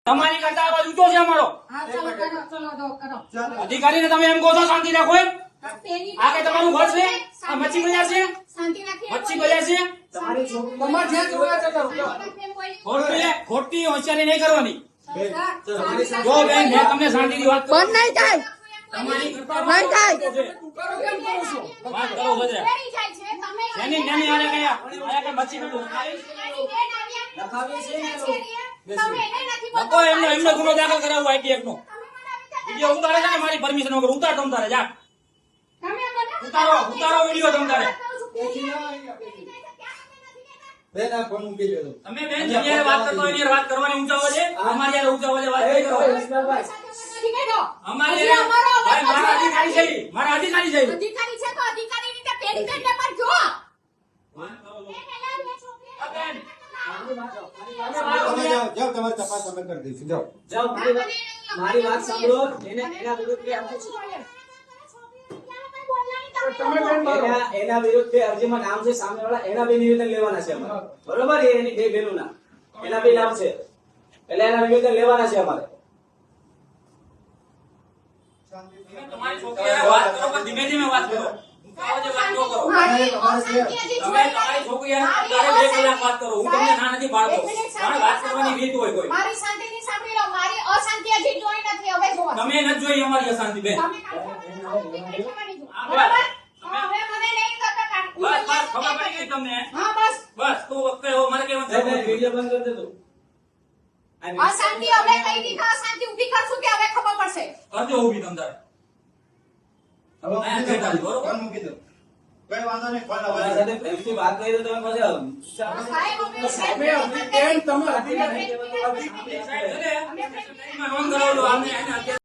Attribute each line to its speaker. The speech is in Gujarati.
Speaker 1: તમારી કરતા અવાજ ઊંચો છે અમારો. અધિકારીને તમે એમ કહો છો શાંતિ રાખો એમ? આ કે તમારું ઘર છે? આ મચ્છી બજાર છે? મચ્છી બજાર છે? ખોટી હોશિયારી નહીં કરવાની. જો બેન મેં તમને શાંતિથી વાત કરું.
Speaker 2: બંધ નહીં થાય.
Speaker 1: તમારી કરતા
Speaker 2: બંધ થાય.
Speaker 1: વાત કરો બધા. જેની જેની આને કયા કે મચ્છી બજાર લોકો એમનો ગુનો દાખલ કરાવવો આઈટી નો વિડીયો ઉતારે છે ને મારી પરમિશન વગર ઉતાર તમ તારે જા ઉતારો વિડીયો તમ તારે
Speaker 3: બેન આ ફોન મૂકી દેજો
Speaker 1: તમે બેન જેની વાત કરતો એની વાત કરવાની ઊંચા અવાજે અમારી યાર ઊંચા અવાજે વાત નહીં કરો અમારી ભાઈ મારા અધિકારી છે મારા અધિકારી છે
Speaker 2: અધિકારી છે તો અધિકારી રીતે પેડી કરીને પર જો
Speaker 3: તમે જાઓ તમારી તપાસ અમે કરી દઈશું જાઓ
Speaker 4: મારી વાત સાંભળો એના વિરુદ્ધ એના વિરુદ્ધ અરજીમાં નામ છે સામેવાળા એના બે નિવેદન લેવાના છે અમારે બરોબર એની બે બહેનોના એના બે નામ છે એટલે એના નિવેદન લેવાના છે અમારે
Speaker 1: તમારી છોકરી વાત કરો પણ ધીમે ધીમે વાત કરો ઊંચા અવાજે વાત ન કરો તમે તમારી છોકરી તારે 2 કલાક વાત કરો હું તમને ના નથી પાડતો પણ વાત કરવાની રીત હોય કોઈ
Speaker 2: મારી શાંતિથી સાંભળી લો મારી અશાંતિ હજી જોઈ નથી હવે જો
Speaker 1: તમે ન જોઈ અમારી અશાંતિ બેન
Speaker 2: તમે બરાબર હા હવે મને નહીં કરતા
Speaker 1: બસ બસ ખબર પડી ગઈ તમને
Speaker 2: હા બસ
Speaker 1: બસ તું વખતે હો મારે કેવાનું
Speaker 4: વિડીયો બંધ કરી દે તું
Speaker 2: અશાંતિ હવે કઈ દીધા અશાંતિ ઊભી કરશું કે હવે ખબર પડશે
Speaker 1: કરજો ઊભી તમ તારે
Speaker 3: હવે ફોન મૂકી દો કઈ વાંધો નહીં ફોન
Speaker 4: તમારા
Speaker 3: આવવા
Speaker 4: સાથે પ્રેમથી વાત કરી તો તમે પછી
Speaker 2: સાહેબ
Speaker 4: તમે અધિકારી
Speaker 1: સાહેબ નોંધ કરાવજો આમને